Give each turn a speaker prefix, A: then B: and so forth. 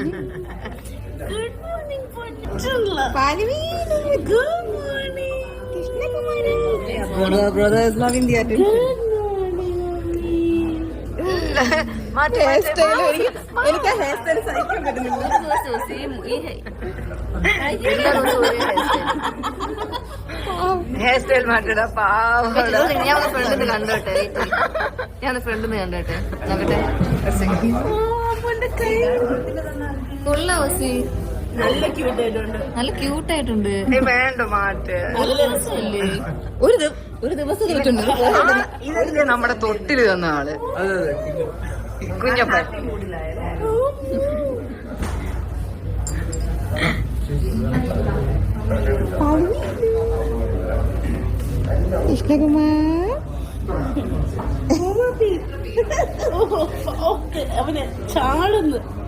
A: Good morning good morning Krishnakumari.
B: Brother is loving the attention. എനിക്ക് hair style സഹിക്കാൻ പറ്റുന്നില്ല.
C: Hair style മാറ്റടാ പാവം. ഞാൻ ഫ്രണ്ടിന്ന് കണ്ടോട്ടെ, ഫ്രണ്ടിന്ന് കണ്ടോട്ടെ നോക്കട്ടെ. കൊള്ളാം ഓസി,
A: നല്ല ക്യൂട്ടായിട്ടുണ്ട്.
C: നല്ല ക്യൂട്ടായിട്ടുണ്ട്.
B: വേണ്ട മാറ്റ്.
C: ഒരു ദിവസം കിട്ടുന്നുണ്ട്.
B: ഇതല്ലേ നമ്മുടെ തൊട്ടില് തന്ന ആള് കുഞ്ഞപ്പൻ.
C: കൃഷ്ണകുമാർ
A: അവന് ചാടുന്നു.